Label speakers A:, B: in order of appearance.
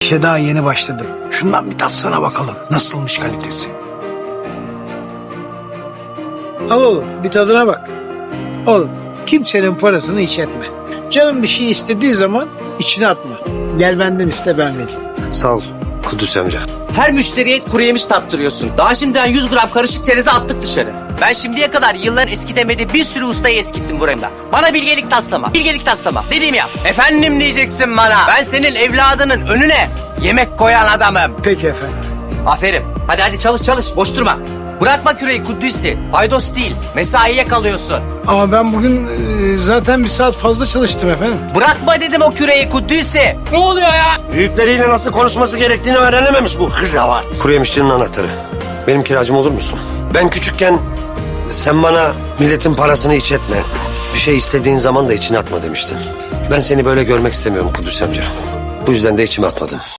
A: İşe daha yeni başladım. Şundan bir tatsana bakalım. Nasılmış kalitesi? Al oğlum bir tadına bak. Oğlum kimsenin parasını hiç etme. Canım bir şey istediği zaman içine atma. Gel benden iste ben vereyim.
B: Sağ ol Kudüs amca.
C: Her müşteriye kuru yemiş tattırıyorsun. Daha şimdiden 100 gram karışık çerezi attık dışarı. Ben şimdiye kadar yılların eskitemediği bir sürü ustayı eskittim buraya. Bana bilgelik taslama. Bilgelik taslama. Dediğimi yap. Efendim diyeceksin bana. Ben senin evladının önüne yemek koyan adamım.
A: Peki efendim.
C: Aferin. Hadi çalış. Boş durma. Bırakma küreği Kudüs'ü. Paydos değil. Mesaiye kalıyorsun.
A: Ama ben bugün zaten bir saat fazla çalıştım efendim.
C: Bırakma dedim o küreği Kudüs'ü. Ne oluyor ya?
B: Büyükleriyle nasıl konuşması gerektiğini öğrenememiş bu hırdavat. Kuru yemişçinin anahtarı. Benim kiracım olur musun? Ben küçükken sen bana milletin parasını hiç etme. Bir şey istediğin zaman da içine atma demiştin. Ben seni böyle görmek istemiyorum Kudüs amca. Bu yüzden de içime atmadım.